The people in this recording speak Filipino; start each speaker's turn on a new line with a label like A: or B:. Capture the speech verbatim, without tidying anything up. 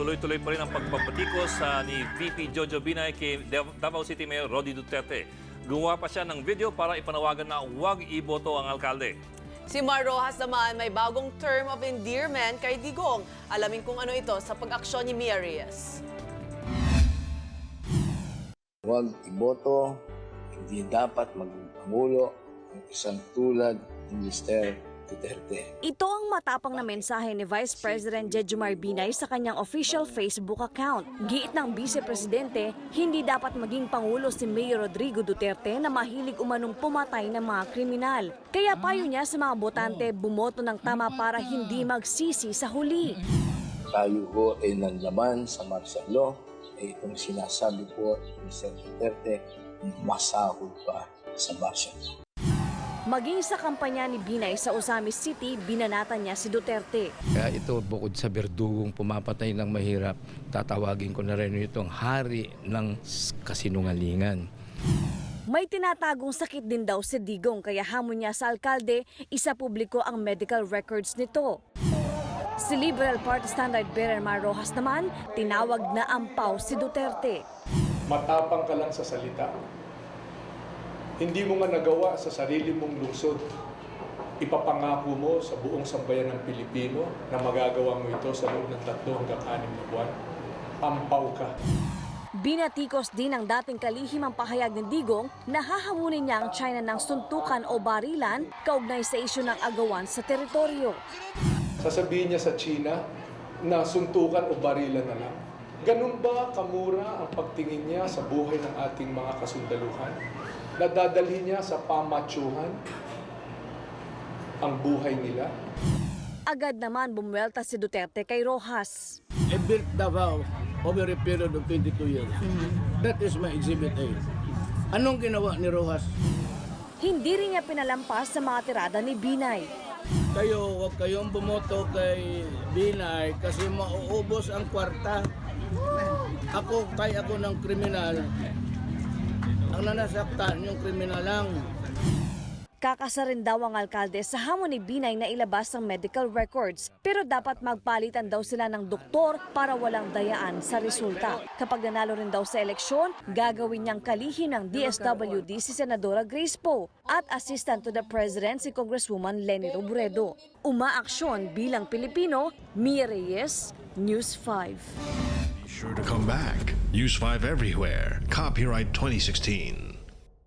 A: tuloy-tuloy pa rin ang pagpapatikos sa ni V P Jojo Binay kay Davao City Mayor Rody Duterte. Gumawa pa siya ng video para ipanawagan na huwag iboto ang alkalde.
B: Si Mar Rojas naman may bagong term of endearment kay Digong. Alamin kung ano ito sa pag-aksyon ni Mia Reyes.
C: Huwag iboto, hindi dapat maging pangulo ng isang tulad ni Mister Duterte.
D: Ito ang matapang na mensahe ni Vice President Jejomar Binay sa kanyang official Facebook account. Giit ng Vice Presidente, hindi dapat maging pangulo si Mayor Rodrigo Duterte na mahilig umanong pumatay ng mga kriminal. Kaya payo niya sa mga botante bumoto ng tama para hindi magsisi sa huli.
C: Tayo ho ay nanlaman sa martial law, ay itong sinasabi po ni Mister Duterte, masahod pa sa martial law.
D: Maging sa kampanya ni Binay sa Osamis City, binanatan niya si Duterte.
E: Kaya ito, bukod sa berdugong pumapatay ng mahirap, tatawagin ko na rin itong hari ng kasinungalingan.
D: May tinatagong sakit din daw si Digong kaya hamon niya sa alkalde, isa publiko ang medical records nito. Si Liberal Party Standard Bearer Mar Rojas naman, tinawag na ampaw si Duterte.
F: Matapang ka lang sa salita. Hindi mo nga nagawa sa sarili mong lungsod. Ipapangako mo sa buong sambayan ng Pilipino na magagawa mo ito sa loob ng tatlo hanggang anim na buwan. Ampaw ka.
D: Binatikos din ng dating kalihimang pahayag ng Digong na hahamunin niya ang China ng suntukan o barilan kaugnay sa isyu ng agawan sa teritoryo.
F: Sasabihin niya sa China na suntukan o barilan na lang. Ganun ba kamura ang pagtingin niya sa buhay ng ating mga kasundaluhan? Nadadalhin niya sa pamatyuhan ang buhay nila?
D: Agad naman bumuelta si Duterte kay Rojas.
G: I built Davao over a period of twenty-two years. That is my exhibit A. Anong ginawa ni Rojas?
D: Hindi rin niya pinalampas sa mga tirada ni Binay.
G: Kayo, huwag kayong bumoto kay Binay kasi mauubos ang kwarta. Ako, kay ako ng kriminal. Ang nanasaktan yung kriminal lang.
D: Kakasa rin daw ang alkalde sa hamon ni Binay na ilabas ang medical records. Pero dapat magpalitan daw sila ng doktor para walang dayaan sa resulta. Kapag nanalo rin daw sa eleksyon, gagawin niyang kalihim ng D S W D si Senadora Grace Poe at Assistant to the President si Congresswoman Leni Robredo. Umaaksyon bilang Pilipino, Mia Reyes, News five.
H: Be sure to come back. Use five everywhere. Copyright twenty sixteen.